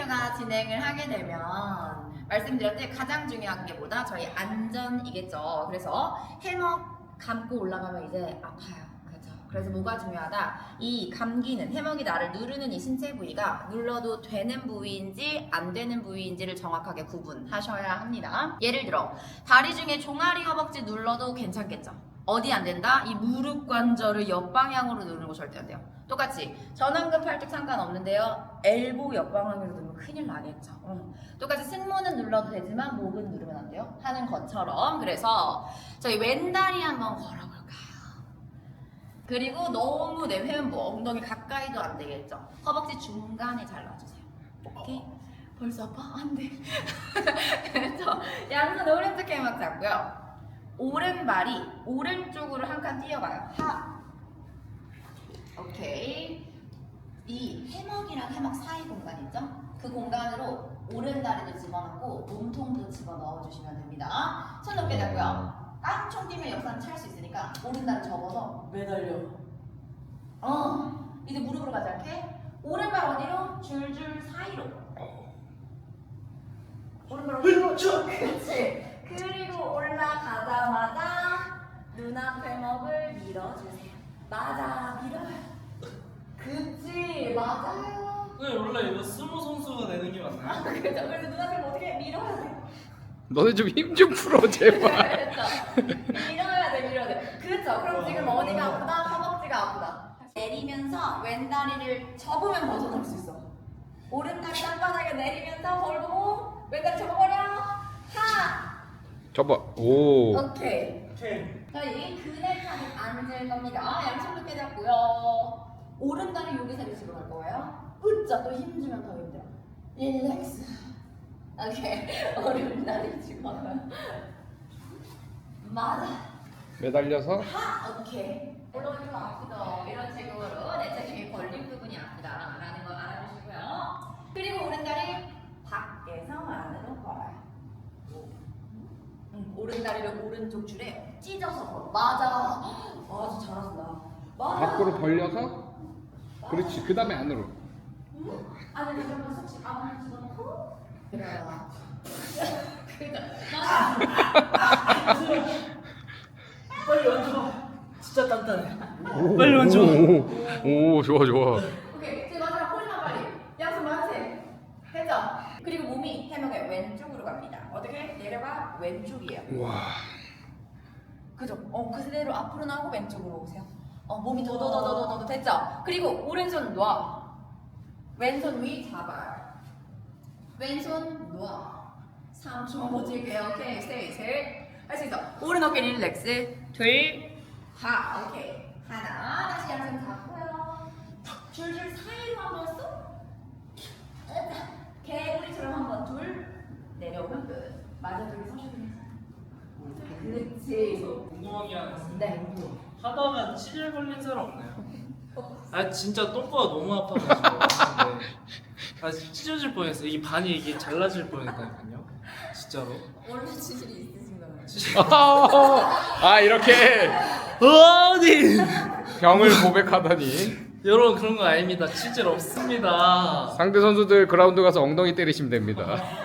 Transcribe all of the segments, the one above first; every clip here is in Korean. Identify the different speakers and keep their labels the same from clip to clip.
Speaker 1: 트레이닝류가 진행을 하게 되면 말씀드렸듯이 가장 중요한 게 뭐다? 저희 안전이겠죠. 그래서 해먹 감고 올라가면 이제 아파요. 그렇죠? 그래서 뭐가 중요하다? 이 감기는 해먹이 나를 누르는 이 신체 부위가 눌러도 되는 부위인지 안 되는 부위인지를 정확하게 구분하셔야 합니다. 예를 들어 다리 중에 종아리 허벅지 눌러도 괜찮겠죠? 어디 안 된다? 이 무릎 관절을 옆방향으로 누르는 거 절대 안 돼요. 똑같이 전완근 팔뚝 상관없는데요. 엘보 옆방향으로 누르면 큰일 나겠죠. 똑같이 승모는 눌러도 되지만 목은 누르면 안 돼요. 하는 것처럼. 그래서 저희 왼다리 한번 걸어볼까요? 그리고 너무 내 회음부 엉덩이 가까이도 안 되겠죠. 허벅지 중간에 잘라주세요. 오케이? 벌써 아파? 안 돼. 그래서 양손 오른쪽 해막 잡고요. 오른발이 오른쪽으로 한 칸 뛰어가요. 하. 오케이. 이 해먹이랑 해먹 사이 공간 있죠? 그 공간으로 오른다리도 집어넣고 몸통도 집어넣어 주시면 됩니다. 손 높게 잡고요. 깡총 뛰면 역사는 찰 수 있으니까 오른다리 접어서 매달려. 이제 무릎으로 가지 않게 오른발 어디로? 줄줄 사이로. 오른발 어디로? 그렇지. 그리고 올라가자마자 눈앞 해먹을 밀어주세요. 맞아, 밀어요. 그치, 맞아요.
Speaker 2: 네, 원래 이거 스모 선수가 내는 게 맞나요?
Speaker 1: 그렇죠. 그래서 눈앞 해먹 어떻게 밀어야 돼?
Speaker 3: 너네 좀 힘 좀 풀어 제발.
Speaker 1: 그렇죠. 밀어야 돼, 밀어야 돼. 그렇죠. 그럼 지금 어디가 아프다? 허벅지가 아프다. 내리면서 왼다리를 접으면 벗어날 수 있어. 오른다리 땅바닥에 내리면서 벌고 왼다리 접어버려. 하!
Speaker 3: 접어. 오.
Speaker 1: 오케이.
Speaker 2: 오케이.
Speaker 1: 저희 그네칸에 앉을 겁니다. 양손 높게 잡고요. 오른다리 여기서 리스로 갈 거예요. 으짜 또 힘주면 더 힘들어. 릴렉스. 오케이. 오른다리 집어넣어요. 맞아.
Speaker 3: 매달려서.
Speaker 1: 하! 오케이. 올라오면 좀 아프죠? 이런 식으로 내 체중이 걸린 부분이 아프다 라는 거 알아주시고요. 그리고 오른다리 밖에서 안으로 걸어요. 오른다리를 오른쪽 줄에 찢어서 걸어. 맞아. 아주 잘한다. 맞아.
Speaker 3: 밖으로 벌려서. 그렇지. 그 다음에 안으로.
Speaker 1: 안으로 좀 쏙 안으로 집어넣고 그래요. 맞아.
Speaker 2: 빨리 얹어. 진짜 단단해. 빨리 얹어.
Speaker 3: 오, 좋아 좋아.
Speaker 1: 오케이. 이제 마지막 허리만 빨리. 양손 만세. 됐죠? 그리고 몸이 해먹의 왼쪽으로 갑니다. 어떻게? 내려가 왼쪽이에요.
Speaker 3: 와.
Speaker 1: 그죠? 그대로 앞으로 나오고 왼쪽으로 오세요. 몸이 더더더더더 됐죠? 그리고 오른손 놔. 왼손 위 잡아요. 왼손 놔. 3초 버틸게요. 오케이. 셋. 할 수 있어. 오른 어깨 릴렉스. 둘. 하. 오케이. 하나. 다시 양손 잡고요. 줄줄 사이로 한번 쏙. 개구리처럼 한번 둘. 내려오면 끝. 맞아. 둘이 서시면 그렇지.
Speaker 2: 궁금한 게 하나 있어요.
Speaker 1: 네.
Speaker 2: 하다가 치질 걸린 사람 없나요? 아 진짜 똥꼬가 너무 아파가지고 아 찢어질 뻔했어요. 이게 반이 이게 잘라질 뻔했다니까요. 진짜로.
Speaker 1: 원래 치질이 있으신가요?
Speaker 3: 아 이렇게
Speaker 2: 어디?
Speaker 3: 병을 고백하다니.
Speaker 2: 여러분 그런 거 아닙니다. 치질 없습니다.
Speaker 3: 상대 선수들 그라운드 가서 엉덩이 때리시면 됩니다.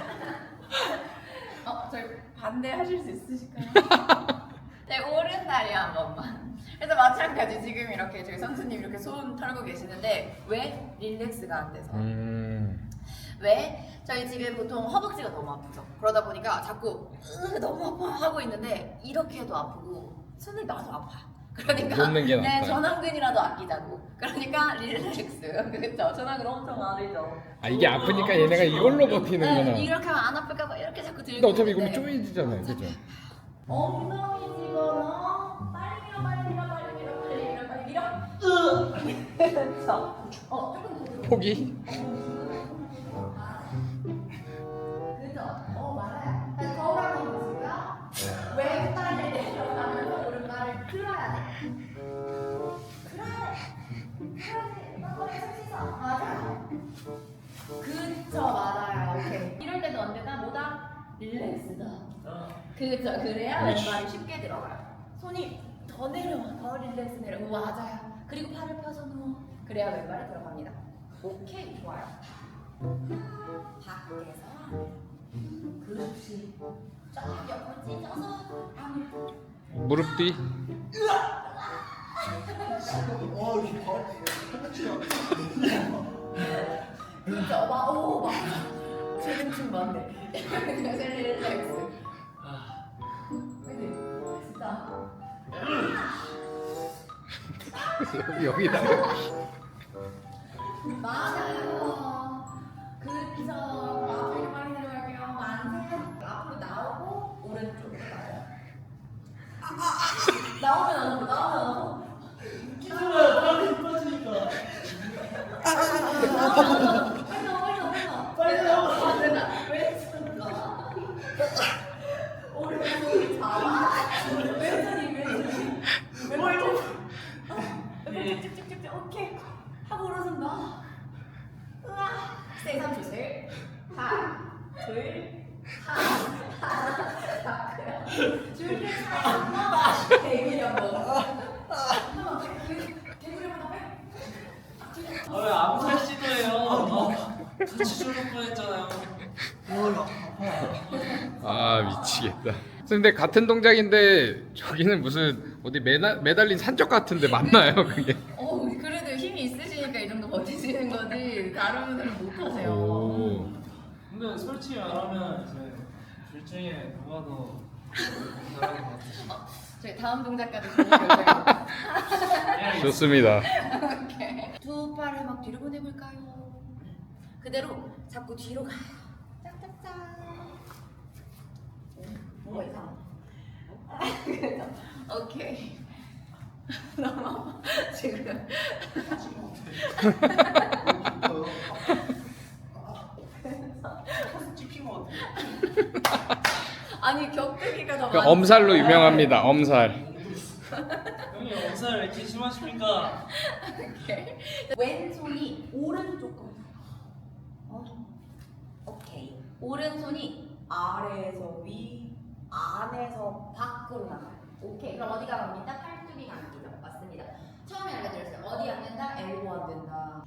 Speaker 1: 저희 반대하실 수 있으실까요? 네, 오른다리 한 번만. 그래서 마찬가지 지금 이렇게 저희 선수님 이렇게 손 털고 계시는데 왜 릴렉스가 안 돼서? 왜? 저희 지금 보통 허벅지가 너무 아프죠. 그러다 보니까 자꾸 너무 아파 하고 있는데 이렇게 해도 아프고 손을 놔도 아파. 그러니까
Speaker 3: 놓는 게
Speaker 1: 네,
Speaker 3: 낫다.
Speaker 1: 전완근이라도 아끼자고. 그러니까 릴렉스. 그렇죠. 전완근 엄청 아르죠.
Speaker 3: 아 이게 아프니까 얘네가 이걸로 버티는구나.
Speaker 1: 이렇게 하면 안 아플까 봐 이렇게 자꾸 들고.
Speaker 3: 근데 어차피 이거는
Speaker 1: 있는데
Speaker 3: 쪼이지잖아요, 그죠?
Speaker 1: 엉덩이 집어넣어. 빨리 밀어. 그렇죠. 조금 더 들어.
Speaker 3: 포기?
Speaker 1: 그죠? 맞아요. 다시 거울 한번 보시고요. 왼발을 내려가면서 오른발을 들어야 돼. 맞아요. 그쵸, 맞아요. 오케이. 이럴 때도 언제나 뭐다? 릴렉스다. 그죠? 그래야 왼발이 쉽게 들어가요. 손이 더 내려와, 더 릴렉스 내려. 맞아요. 그리고 팔을 펴서 누워. 그래야 왼발이 들어갑니다. 오케이, 좋아요. 쫙 옆으로 찢어서 안으로.
Speaker 3: 무릎 뒤.
Speaker 1: 진짜 막 재능충 많네. 릴렉스. 진짜
Speaker 3: 여기다.
Speaker 1: 맞아요. 그쵸. 앞으로 많이 내려갈게요. 만세. 앞으로 나오고 오른쪽으로 가요. 나오면 안 오고 나오면 안 오고.
Speaker 2: 기술아 빨리 빠지니까.
Speaker 1: 빨리 나와. 왼손 나. 오른손 잡아. 왼손이. 쭉쭉쭉쭉. 오케이. 하고 오른손 나. 으아. 세 3초 셋. 하나, 둘, 하나. 줄줄 차야. 대기리 한번. 개구리 한번 빼.
Speaker 2: 왜 암살 시도해요? 같이 죽을 뻔했잖아요.
Speaker 3: 아 미치겠다. 근데 같은 동작인데 저기는 무슨 어디 매달린 산적 같은데 맞나요 그게?
Speaker 1: 그래도 힘이 있으시니까 이 정도 버티시는 거지 다른 분들은 못 하세요.
Speaker 3: 오.
Speaker 2: 근데 솔직히 말하면 이제 둘 중에 누가 더 잘하는 것 같으시죠?
Speaker 1: 저희 다음 동작까지 좋은 결과입니다.
Speaker 3: 좋습니다.
Speaker 1: 오케이. 두 팔을 막 뒤로 보내볼까요? 그대로 자꾸 뒤로 가요. 짝짝짝. 뭐가 이상하다. 오케이. 너무 아파. 지금.
Speaker 2: 찍힌 것 같아.
Speaker 1: 아니 격투기가 더
Speaker 3: 그
Speaker 1: 많아.
Speaker 3: 엄살로 유명합니다. 엄살.
Speaker 2: 형님 엄살 왜 이렇게 심하십니까?
Speaker 1: 오케이. 왼손이 오른쪽으로. 오케이. 오른손이 아래에서 위, 안에서 밖으로 나가요. 오케이. 그럼 어디가 갑니까? 팔뚝이 감기죠. 맞습니다. 처음에 알려드렸어요. 어디 안 된다? 엘보 안 된다.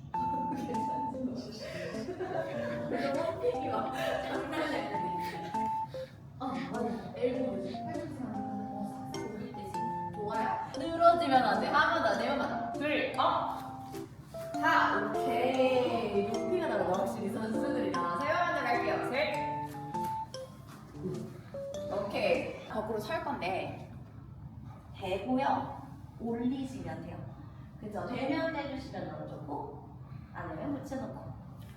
Speaker 1: 그래서 홈페이지 막 장난이 아니지. 맞아. 엘보 뭐지? 팔뚝이 안 된다. 싹싹 올릴 때 좋아요. 늘어지면 안 돼. 하면 안 돼요. 하나, 둘, 자, 오케이. 높이가 다르다. 확실히 선수들이랑 세 번째 갈게요. 셋. 오케이. 거꾸로 설 건데 대고요. 올리시면 돼요. 그죠? 되면 떼주시면 너무 좋고 안 되면 붙여놓고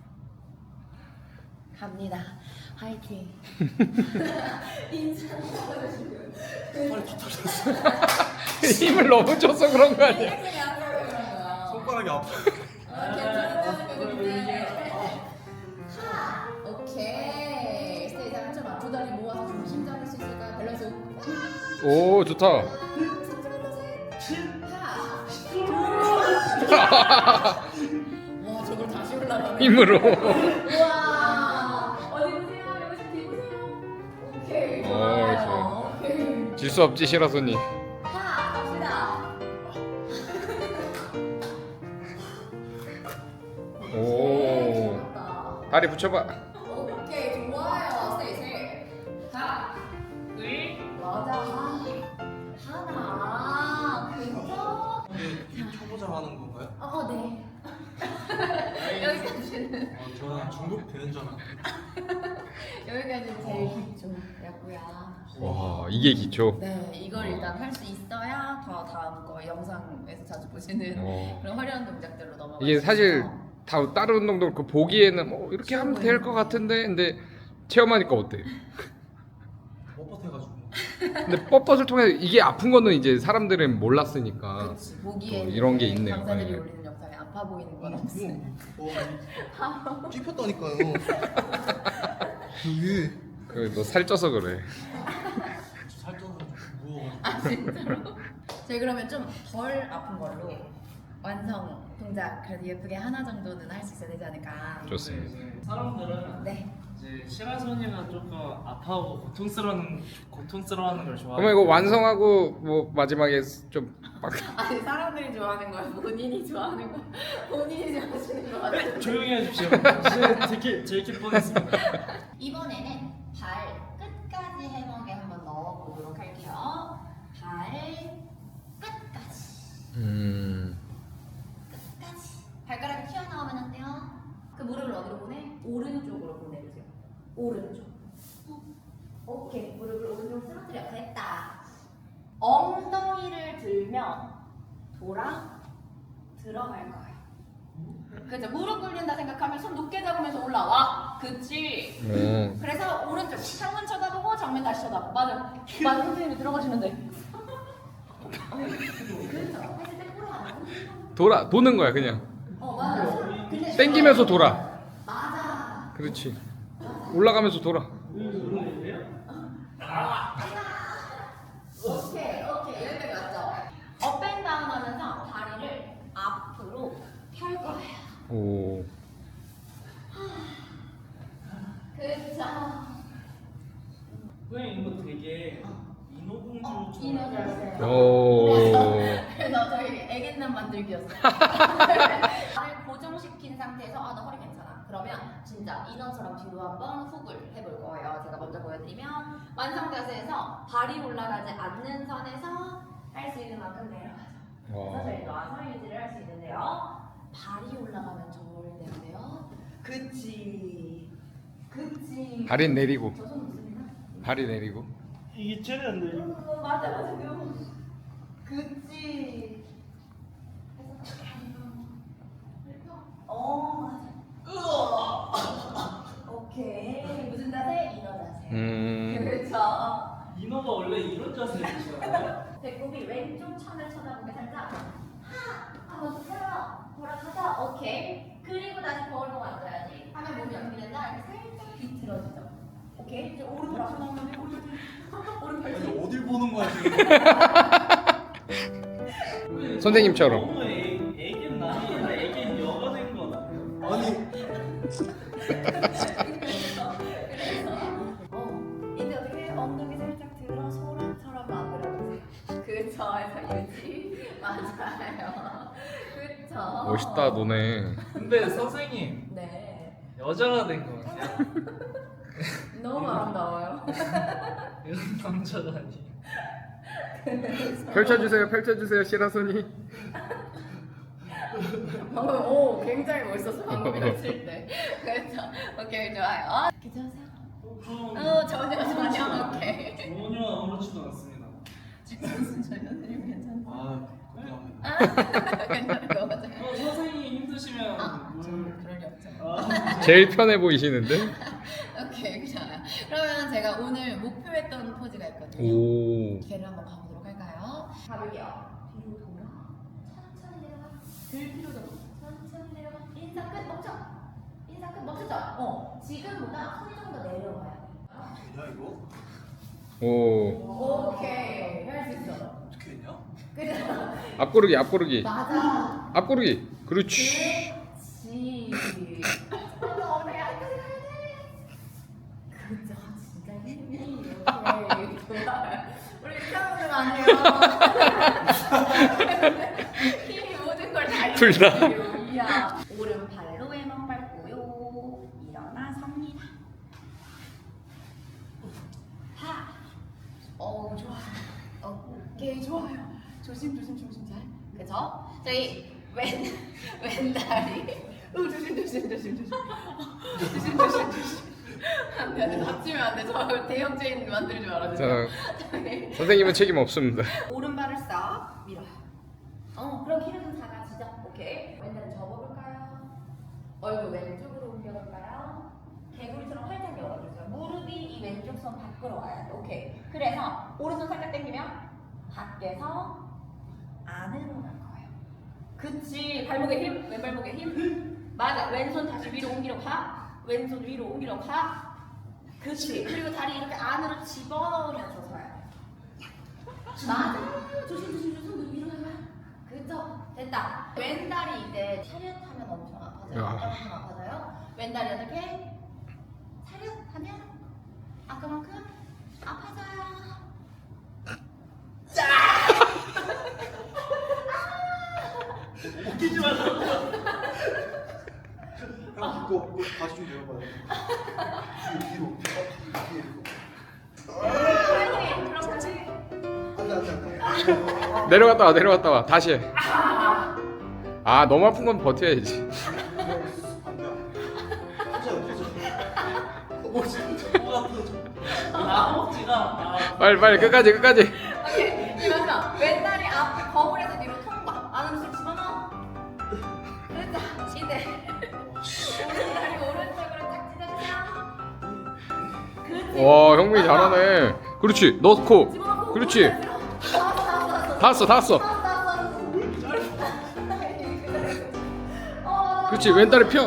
Speaker 1: 갑니다. 화이팅. 인천 떨어지고
Speaker 2: 팔이 다 터졌어.
Speaker 3: 힘을 너무 줘서 그런 거 아니야?
Speaker 1: 리액션이 안 들어가는 거야.
Speaker 2: 손가락이 아파.
Speaker 1: 오케이. 스테이지 한점 앞. 두 다리 모아서 중심 잡을 수 있을까요? 밸런스.
Speaker 3: 오 좋다.
Speaker 1: 와 저걸 다시 올라가네.
Speaker 3: 힘으로.
Speaker 1: 우와. 어디 보세요. 여기 좀 뒤보세요. 오케이. 좋아요. 오케이.
Speaker 3: 질 수 없지 시라소니.
Speaker 1: 자 갑시다.
Speaker 3: 오.
Speaker 1: 좋았다.
Speaker 3: 다리 붙여봐.
Speaker 1: 오케이 좋아요. 셋. 하나, 둘, 맞아. 하나. 그죠?
Speaker 2: 초보자 하는 건가요?
Speaker 1: 네. 여기까지는
Speaker 2: 저는 중국 되는 줄 알았는데.
Speaker 1: 여기까지는 제일 기초였고요.
Speaker 3: 와 이게 기초.
Speaker 1: 네, 이걸 일단 할 수 있어야 더 다음 거 영상에서 자주 보시는 그런 화려한 동작들로 넘어가.
Speaker 3: 이게 사실 다 다른 운동도 그 보기에는 뭐 이렇게 하면 될 것 같은데 근데 체험하니까 어때?
Speaker 2: 뻣뻣해가지고.
Speaker 3: 근데 뻣뻣을 통해 이게 아픈 거는 이제 사람들은 몰랐으니까
Speaker 1: 보기에
Speaker 3: 또 이런 게 있네요.
Speaker 1: 강사들이
Speaker 3: 네.
Speaker 1: 올리는 영상에 아파 보이는 건 없어요.
Speaker 4: 찝혔다니까요. 여기
Speaker 3: 그너 살쪄서 그래.
Speaker 2: 살쪄서 좀 무거워가지고.
Speaker 1: 아 진짜로? 저희 그러면 좀 덜 아픈 걸로 완성 동작 그래도 예쁘게 하나 정도는 할 수 있어야 되지 않을까.
Speaker 3: 좋습니다.
Speaker 2: 이제 사람들은
Speaker 1: 네.
Speaker 2: 이제 시라소니가 조금 아파하고 고통스러워하는 걸 좋아해요.
Speaker 3: 그러면 이거 완성하고 뭐 마지막에 좀 막.
Speaker 1: 아니 사람들이 좋아하는 거야 본인이 좋아하는 거 본인이 좋아하시는 거 같아요.
Speaker 2: 조용히 해주십시오. 이제 들킬 뻔했습니다.
Speaker 1: 이번에는 발 끝까지 해먹에 한번 넣어보도록 할게요. 발 끝까지. 끝까지. 발가락이 튀어나오면 안 돼요. 그 무릎을 어디로 보내? 오른쪽으로 보내주세요. 오른쪽. 오케이. 무릎을 오른쪽으로 쓰러뜨려. 됐다. 엉덩이를 들면 들어갈 거예요. 그죠? 무릎 꿇린다 생각하면 손 높게 잡으면서 올라와. 그치? 그래서 오른쪽 창문 쳐다보고 정면 다시 쳐다보고. 맞아. 선생님이 들어가시면 돼. 그렇죠. 했을 때 꼬라.
Speaker 3: 도는 거야 그냥.
Speaker 1: 맞아. 근데
Speaker 3: 땡기면서 돌아.
Speaker 1: 맞아.
Speaker 3: 그렇지. 올라가면서 돌아.
Speaker 1: 오케이. 여기까지 맞죠? 업앤다운 하면서 다리를 앞으로 펼 거예요.
Speaker 3: 오.
Speaker 1: 그쵸.
Speaker 2: 선생님 이거 되게 인어공주
Speaker 1: 이너 자세.
Speaker 3: 오.
Speaker 1: 그래서 저희 애견남 만들기였어요. 발을 고정시킨 상태에서 나 허리 괜찮아. 그러면 진짜 인어처럼 뒤로 한번 훅을 해볼 거예요. 제가 먼저 보여드리면 완성 자세에서 발이 올라가지 않는 선에서 할 수 있는 만큼 내려가죠. 그래서 저희 와서 유지를 할 수 있는데요. 발이 올라가면 절대 안 돼요. 그치.
Speaker 3: 발이 내리고.
Speaker 1: 저 손 있습니다.
Speaker 3: 발이 내리고.
Speaker 2: 이게 쟤네 안 돼.
Speaker 1: 맞아. 그치. 맞아. 오케이. 무슨 자세? 인어 자세. 그렇죠.
Speaker 2: 인어가 원래 이런 자세였잖아요.
Speaker 1: 배꼽이 왼쪽 천을 쳐다보게 살짝 한번 세워 돌아가자. 오케이. 그리고 다시 거울로 만져야지. 하면 몸이 어떻게 된다? 이렇게 살짝 비틀어지죠. 오케이. 이제 오른쪽 앞으로 나오면 오른팔
Speaker 4: 아니 어딜 보는 거야 지금?
Speaker 3: 선생님처럼.
Speaker 2: 너무 애견 남이 아니라 애견 여가 된 거다.
Speaker 4: 아니
Speaker 1: 이제 어떻게 엉덩이 살짝 들어 소란처럼 만들어주세요. 그쵸. 해서 유지. 맞아요. 그쵸.
Speaker 3: 멋있다 너네.
Speaker 2: 근데 선생님
Speaker 1: 네.
Speaker 2: 여자가 된 거 같아요.
Speaker 1: 너무 아름다워요.
Speaker 2: 이런 남자가 아니에요.
Speaker 3: 펼쳐주세요 시라소니.
Speaker 1: 방금 굉장히 멋있었어. 방금 이거 칠 때. 그렇죠. 오케이 좋아요. 괜찮으세요? 전혀 오케이.
Speaker 2: 전혀 아무렇지도 않습니다.
Speaker 1: 선생님 괜찮아요?
Speaker 4: 감사합니다.
Speaker 1: 괜찮은 거 맞아요.
Speaker 2: 선생님 힘드시면
Speaker 1: 저는 그럴 리 없죠.
Speaker 3: 제일 편해 보이시는데?
Speaker 1: 오케이 좋아요. 그러면 제가 오늘 목표했던 포즈가 있거든요.
Speaker 3: 오.
Speaker 1: 걔를 한번 가보도록 할까요? 가볼게요. 뒤로 돌아. 천천히 내려가. 들 필요도 없어. 천천히 내려가. 인사 끝 멈춰. 인사 끝 멈추죠. 지금보다 손이 좀 더 내려와야 돼.
Speaker 4: 되냐 이거?
Speaker 3: 오.
Speaker 1: 오케이. 할 수 있어.
Speaker 4: 어떻게 했냐?
Speaker 1: 그래.
Speaker 3: 앞구르기.
Speaker 1: 맞아.
Speaker 3: 앞구르기. 그렇지.
Speaker 1: 그렇지. 어머야, 여기까지 가야 돼. 그죠, 진짜 힘이. 오케이, 좋아요. 우리 이렇게 하면 안 돼요. 힘이 모든 걸 다.
Speaker 3: 둘 다.
Speaker 1: 이야. 오른발로 왼발 밟고요. 일어나 섭니다. 하. 좋아요. 오케이, 좋아요. 조심 잘. 그죠? 저희 왼다리. 조심. 안 돼. 다치면 안 돼. 저 대형 체인 만들지 말아주세요.
Speaker 3: 선생님은 책임 없습니다.
Speaker 1: 오른발을 싹 밀어요. 그럼 키를 좀 작아지죠? 오케이. 왼다리 접어볼까요? 얼굴 왼쪽으로 옮겨볼까요? 개구리처럼 활짝 열어주세요. 무릎이 이 왼쪽 손 밖으로 와야 돼. 오케이. 그래서 오른손 살짝 당기면 밖에서 안으로 갈 거예요. 그치. 발목에 힘, 왼발목에 힘. 맞아. 왼손 다시 위로 옮기려 가. 왼손 위로 옮기려 가. 그치. 그리고 다리 이렇게 안으로 집어넣으면서 서야 돼. 맞아. 조심. 손 위로 가요. 그죠? 됐다. 왼다리 이제 차렷하면 엄청 아파져요. 아까만큼 아파져요. 왼다리 어떻게? 차렷하면 아까만큼 아파져요.
Speaker 2: 웃기지 말라고.
Speaker 4: 형 이거 다시 좀 내려봐요. 뒤로.
Speaker 3: 내려갔다 와 내려갔다 와 다시 해. 아 너무 아픈 건 버텨야지. 빨리 빨리 끝까지 끝까지.
Speaker 1: 오케이. 이거죠. 왼다리 앞 거울에서 뒤로 통과. 안으로 쑥 집어넣어. 그렇죠. 이제 오른다리 오른쪽으로 딱 찢어주세요. 그렇지.
Speaker 3: 와 형민이 잘하네. 그렇지 넣고.
Speaker 1: 집어넣고
Speaker 3: 그렇지.
Speaker 1: 나왔어.
Speaker 3: 다 왔어. 그렇지 왼다리 펴.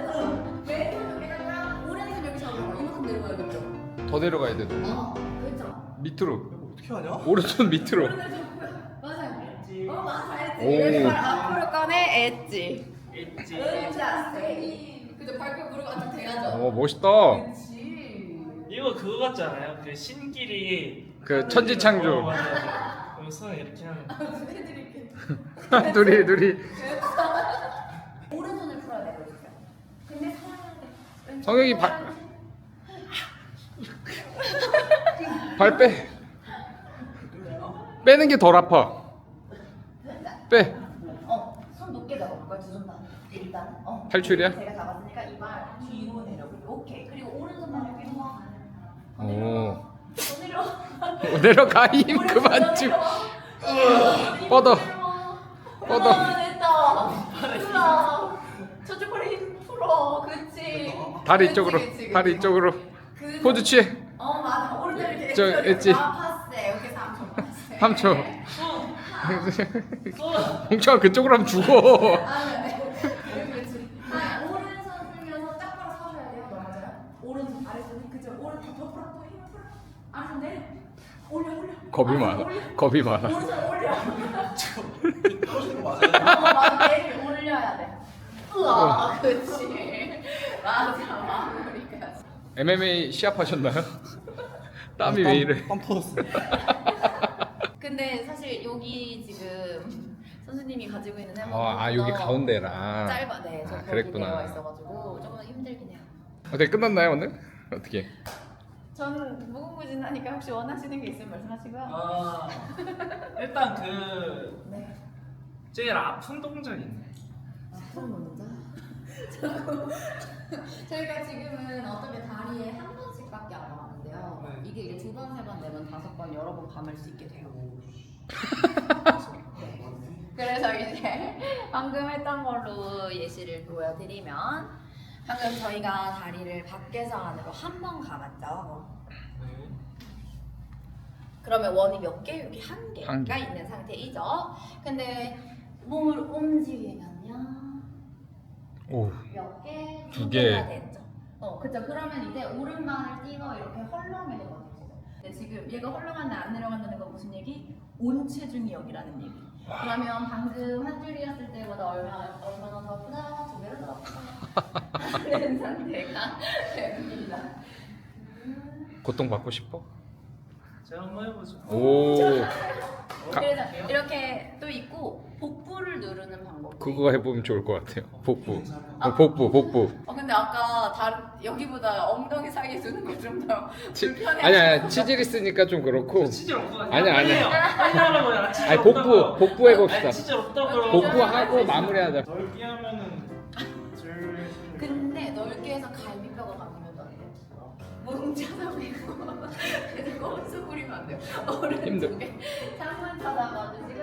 Speaker 1: 오른손 여기 잡아. 이만큼 내려가야겠죠.
Speaker 3: 더 내려가야 돼.
Speaker 1: 그렇죠.
Speaker 3: 밑으로.
Speaker 4: 어떻게 하냐?
Speaker 3: 오른손 밑으로.
Speaker 1: 맞아요. 맞아.
Speaker 3: 오.
Speaker 1: 왼발 앞으로 꺼내 엣지.
Speaker 2: 엣지.
Speaker 1: 그죠. 발끝 무릎 안쪽 대야죠.
Speaker 3: 어 멋있다.
Speaker 1: 그렇지.
Speaker 2: 이거 그거 같지 않아요? 그 신길이
Speaker 3: 그 천지창조.
Speaker 2: 맞아. 그리고 손 이렇게 하면
Speaker 1: 해드릴게.
Speaker 3: 둘이
Speaker 1: 오른손을 풀어야 돼요. 근데 살아야 돼.
Speaker 3: 성혁이 발 빼. 빼는 게 덜 아파. 빼.
Speaker 1: 손 높게 잡아볼까요? 두 손 다. 일단.
Speaker 3: 탈출이야?
Speaker 1: 제가 잡았으니까 이 발 뒤로 내려보고. 오케이. 그리고 오른손 발 여기 와.
Speaker 3: 오.
Speaker 1: 내려.
Speaker 3: 내려가 힘 그만 좀. 뻗어. 뻗어.
Speaker 1: 됐다. 저쪽 발에 힘 풀어. 그렇지.
Speaker 3: 다리
Speaker 1: 그치,
Speaker 3: 이쪽으로.
Speaker 1: 그치,
Speaker 3: 다리
Speaker 1: 그치.
Speaker 3: 이쪽으로.
Speaker 1: 그
Speaker 3: 포즈 취해.
Speaker 1: 맞아. 오른쪽 이렇게
Speaker 3: 저 엣지.
Speaker 1: 파세. 오케이 3초 파세.
Speaker 3: 3초.
Speaker 2: 손.
Speaker 3: 봉철아 그쪽으로 하면 죽어.
Speaker 1: 네. 그렇지. 오른손 풀면서 짝 바로 서셔야 돼요. 맞아요. 오른손 아래손이 그죠. 오른손 더 풀어 또 힘을 풀어. 아래손 내려. 올려.
Speaker 3: 겁이
Speaker 1: 아래손
Speaker 3: 많아.
Speaker 1: 올려.
Speaker 3: 겁이 많아.
Speaker 1: 오른손 올려.
Speaker 4: 떨어지는 거 맞아요?
Speaker 1: 맞아. 내를 올려야 돼. 우와, 그렇지. 맞아. 마무리가.
Speaker 3: MMA 시합하셨나요? 땀이 왜 이래?
Speaker 4: 땀 터졌어.
Speaker 1: 근데 사실 여기 지금 선수님이 가지고 있는 해머
Speaker 3: 여기 가운데라.
Speaker 1: 짧아. 네, 저 거기
Speaker 3: 그랬구나.
Speaker 1: 되어 있어가지고 조금 힘들긴 해요.
Speaker 3: 어떻게 끝났나요 오늘? 어떻게?
Speaker 1: 저는 무궁무진하니까 혹시 원하시는 게 있으면 말씀하시고요.
Speaker 2: 아 일단 그
Speaker 1: 네.
Speaker 2: 제일 아픈 동작 있네.
Speaker 1: 아픈 먼저. 저희가 지금은 어떻게 다리에 한 번씩밖에 안 감았는데요.
Speaker 2: 네.
Speaker 1: 이게 이제 두 번, 세 번, 네 번, 다섯 번, 여러 번 감을 수 있게 돼요. 네. 그래서 이제 방금 했던 걸로 예시를 보여드리면 방금 저희가 다리를 밖에서 안으로 한 번 감았죠.
Speaker 2: 네.
Speaker 1: 그러면 원이 몇 개? 여기 한
Speaker 3: 한
Speaker 1: 개가
Speaker 3: 개.
Speaker 1: 있는 상태이죠. 근데 몸을 움직이면요.
Speaker 3: 오.
Speaker 1: 몇 개?
Speaker 3: 두
Speaker 1: 두
Speaker 3: 개.
Speaker 1: 개가 됐죠. 그쵸. 그러면 이제 오른발을 띄워 이렇게 헐렁이게 버티시죠. 근데 지금 얘가 헐렁한데 안 내려간다는 건 무슨 얘기? 온 체중이 여기라는 얘기. 그러면 방금 한 줄이었을 때보다 얼마나 더 크다? 두 배로 더 크다? 하는 상태가 됩니다.
Speaker 3: 고통 받고 싶어?
Speaker 2: 제가 한번 해보죠.
Speaker 3: 오.
Speaker 1: 그래서 이렇게 또 있고 복부를 누르는 방법.
Speaker 3: 그거 해보면 좋을 것 같아요. 복부. 복부.
Speaker 1: 근데 아까 다른 여기보다 엉덩이 사이에 두는 거 좀 더 불편해.
Speaker 3: 아니야 치질 있으니까 좀 그렇고.
Speaker 2: 치질 없거든요.
Speaker 3: 아니야.
Speaker 2: 빨리 하라고요. 치질
Speaker 3: 아니
Speaker 2: 없다고요.
Speaker 3: 복부 해봅시다.
Speaker 2: 아니, 치질 없다고요.
Speaker 3: 복부 하고 마무리하자.
Speaker 2: 넓게 하면은 줄.
Speaker 1: 근데 넓게 해서 갈비뼈가 감기면 안 돼. 뭉쳐서 빼고 계속 꼼수 부리면 안 돼요.
Speaker 3: 힘들.
Speaker 1: 오른쪽에 창문 쳐다봐주시고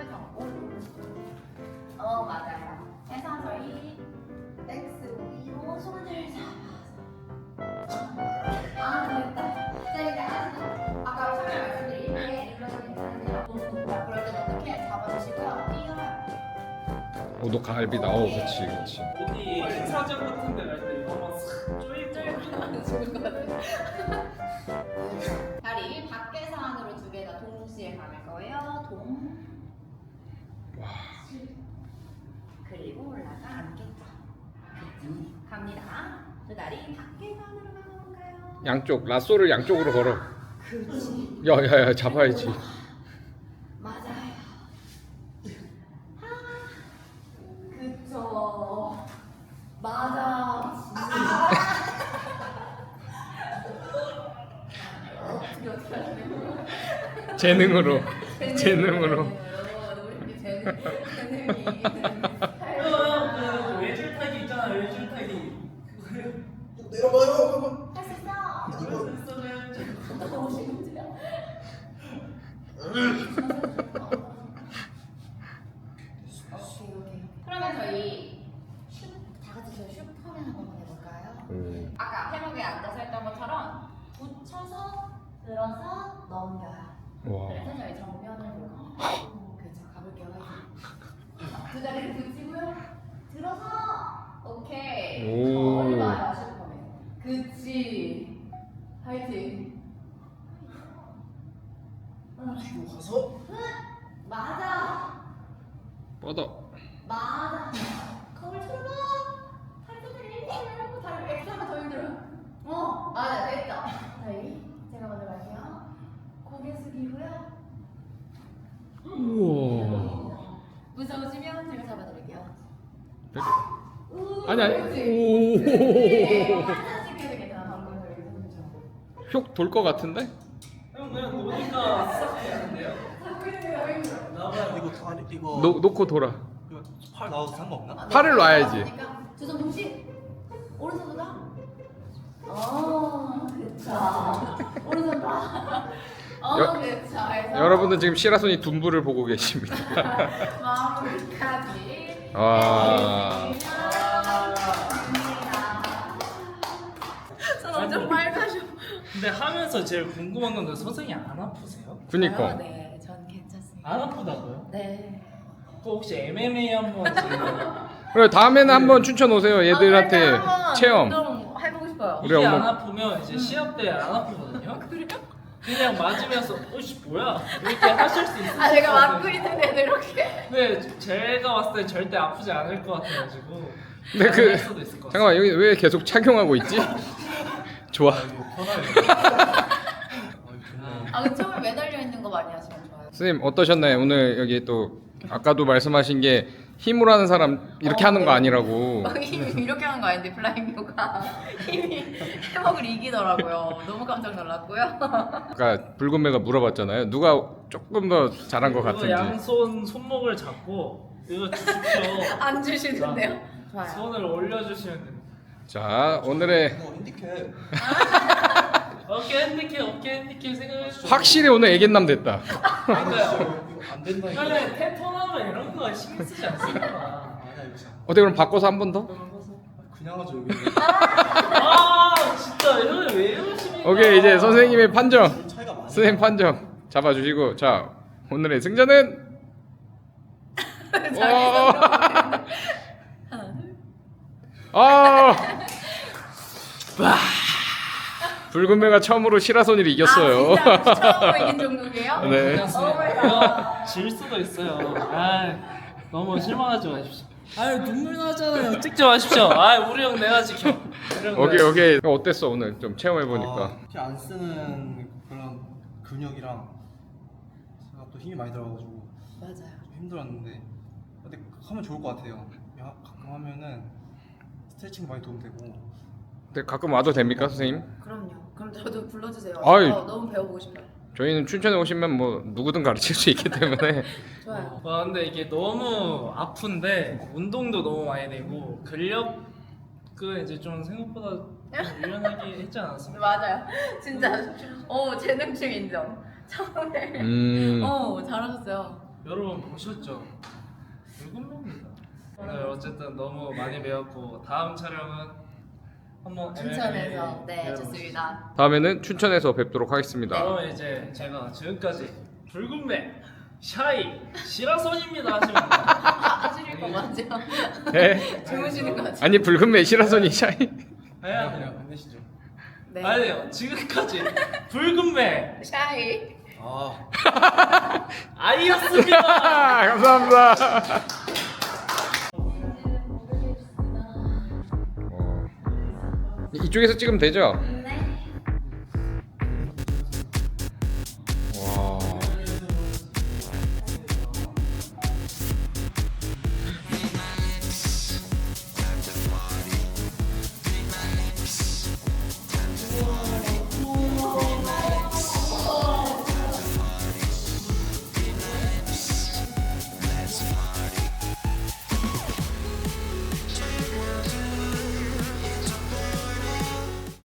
Speaker 1: 맞아요. 해서 저희 넥스 위로 손을 잡아서 됐다. 제가 아까 처음에 말씀드린 게 일러서 괜찮은데요. 너무 높다. 그럴 땐 어떻게 잡아주시고요. 뛰어요.
Speaker 3: 너 갈비다. 그렇지.
Speaker 2: 어디 행사장 같은 데 갈 때 이거 한번 싹 쪼이고
Speaker 1: 죽을 것 같아. 다리 밖에서 안으로 두 개 다 동시에 감을 거예요.
Speaker 3: 와.
Speaker 1: 그리고 올라가 안겠죠. 갑니다. 두 다리 밖에서 안으로 감아볼까요?
Speaker 3: 양쪽 라쏘를 양쪽으로 걸어.
Speaker 1: 그렇지.
Speaker 3: 야야야 잡아야지.
Speaker 1: 맞아요. 그쵸. 맞아. 어떻게 하시는 거예요?
Speaker 3: 재능으로. 재능으로.
Speaker 1: 우리 재능이
Speaker 2: 외줄 타기 있잖아 외줄 타기.
Speaker 4: 내려봐요.
Speaker 1: 할 수 있어. 너무 심지어. 오케이. 그러면 저희 다 같이 저 슈퍼맨 한번 해볼까요? 아까 해먹에 앉아서 했던 것처럼 붙여서 들어서 넘겨요.
Speaker 3: 와.
Speaker 1: 그래서 저희 정면을 보고 그렇죠. 가볼게요. 두 다리를 붙이고요. 들어서 오케이.
Speaker 3: 오.
Speaker 1: 얼마야 슈퍼맨. 그치. 화이팅.
Speaker 4: 뒤로 가서
Speaker 1: 맞아.
Speaker 3: 뻗어.
Speaker 1: 맞아. 거울 틀어봐. 팔뚝을 일찍 내려놓고 다리 X 하면 더 힘들어요. 맞아. 됐죠? 저희 제가 먼저 갈게요. 고개 숙이고요.
Speaker 3: 우와.
Speaker 1: 무서우시면 제가 잡아드릴게요.
Speaker 3: 아니 아니.
Speaker 1: 오.
Speaker 3: 오.
Speaker 1: 한참 찍혀도 괜찮아. 방금 저기 손 좀.
Speaker 3: 휙돌 것 같은데?
Speaker 2: 형 그냥 노니까 싹 되는데요?
Speaker 1: 잡고 있는 게 너무 힘들어.
Speaker 2: 나봐요.
Speaker 4: 이거 다리 이거
Speaker 3: 놓고 돌아.
Speaker 4: 이거 팔 나와도 상관없나?
Speaker 3: 팔을 놔야지.
Speaker 1: 두 손 동시. 오른손보다. 그쵸. 오른손 봐. 그쵸. 해서
Speaker 3: 여러분들 지금 시라손이 둔부를 보고 계십니다.
Speaker 1: 마무리까지.
Speaker 3: 와.
Speaker 1: 손 엄청 빨가셔.
Speaker 2: 근데 하면서 제일 궁금한 건데 선생님 안 아프세요?
Speaker 3: 그니까.
Speaker 1: 네, 전 괜찮습니다.
Speaker 2: 안 아프다고요?
Speaker 1: 네.
Speaker 2: 그 혹시 MMA 한번 지금
Speaker 3: 그래 다음에는 한번 추천 오세요. 얘들한테
Speaker 1: 한번
Speaker 3: 체험.
Speaker 1: 좀 해보고 싶어요.
Speaker 3: 우리
Speaker 2: 이게
Speaker 3: 엄마-
Speaker 2: 안 아프면 이제 시합 때 안 아프거든요. 그냥 맞으면서 어씨 뭐야 이렇게 하실 수 있어요.
Speaker 1: 제가 맞고 있는데도 이렇게.
Speaker 2: 근데 제가 봤을 때 절대 아프지 않을 것 같아가지고.
Speaker 3: 근데 그
Speaker 2: 가능할 수도 있을 것 같아요.
Speaker 3: 잠깐만 여기 왜 계속 착용하고 있지? 좋아.
Speaker 1: 근데 처음에 매달려 있는 거 많이 하시면 좋아요.
Speaker 3: 선생님 어떠셨나요? 오늘 여기 또 아까도 말씀하신 게 힘으로 하는 사람 이렇게 하는 거 아니라고.
Speaker 1: 힘이 이렇게 하는 거 아닌데 플라잉요가 힘이 해먹을 이기더라고요. 너무 깜짝 놀랐고요.
Speaker 3: 아까 붉은매가 물어봤잖아요. 누가 조금 더 잘한 것
Speaker 2: 이거
Speaker 3: 같은지.
Speaker 2: 양손 손목을 잡고 이거 주십시오.
Speaker 1: 안 주시는데요? 좋아요.
Speaker 2: 손을 올려주시면 됩니다.
Speaker 3: 자 오늘의
Speaker 4: 이거 핸디캡.
Speaker 2: 어깨 핸디캡 생각해 주세요.
Speaker 3: 확실히 오늘 애견남 됐다.
Speaker 2: 그러니까요.
Speaker 4: 이거 안 된다니까.
Speaker 2: 원래 테토나무 이런 거 신경 쓰지 않습니다.
Speaker 4: 아니야 이거 진짜.
Speaker 3: 어때 그럼 바꿔서 한 번 더?
Speaker 4: 그냥 하죠 여기.
Speaker 2: 진짜 형이 왜 이러십니까?
Speaker 3: 오케이 이제 선생님의 판정.
Speaker 4: 차이가 많아.
Speaker 3: 선생님 판정 잡아주시고 자 오늘의 승자는 아 붉은매가 처음으로 시라소니를 이겼어요.
Speaker 1: 진짜 처음으로 이긴 종목이에요?
Speaker 3: 네.
Speaker 2: 이거 질 수도 있어요. 너무 실망하지 마십시오. 눈물 나잖아요. 찍지 마십시오. 우리 형 내가 지켜.
Speaker 3: 오케이 어땠어 오늘 좀 체험해 보니까.
Speaker 4: 안 쓰는 그런 근육이랑 제가 또 힘이 많이 들어가지고
Speaker 1: 맞아요.
Speaker 4: 좀 힘들었는데 근데 하면 좋을 것 같아요. 가끔 하면은 스트레칭 많이 도움되고.
Speaker 3: 근데 가끔 와도 됩니까 선생님?
Speaker 1: 그럼요. 그럼 저도 불러주세요.
Speaker 3: 아이.
Speaker 1: 너무 배워보고 싶어요.
Speaker 3: 저희는 춘천에 오시면 뭐 누구든 가르칠 수 있기 때문에.
Speaker 1: 좋아요.
Speaker 2: 근데 이게 너무 아픈데 운동도 너무 많이 되고 근력은 이제 좀 생각보다 좀 유연하게 했지 않았습니까?
Speaker 1: 맞아요. 진짜 재능충 인정. 처음에 잘하셨어요.
Speaker 2: 여러분 보셨죠? 붉은매입니다. 오늘 어쨌든 너무 많이 배웠고 다음 촬영은 한번
Speaker 1: 춘천에서 네
Speaker 2: 배워보시죠.
Speaker 1: 좋습니다.
Speaker 3: 다음에는 춘천에서 뵙도록 하겠습니다.
Speaker 2: 그러면 이제 제가 지금까지 붉은매 샤이 시라손입니다 하시면 돼요.
Speaker 1: 하실 거 맞죠?
Speaker 3: 네.
Speaker 1: 주무시는 거 맞죠?
Speaker 3: 아니 붉은매 시라소니 샤이.
Speaker 2: 해야
Speaker 4: 그냥
Speaker 2: 돼요.
Speaker 4: 안 되시죠?
Speaker 1: 네.
Speaker 2: 아니요 지금까지 붉은매
Speaker 1: 샤이.
Speaker 2: 아이였습니다.
Speaker 3: 감사합니다. 이쪽에서 찍으면 되죠?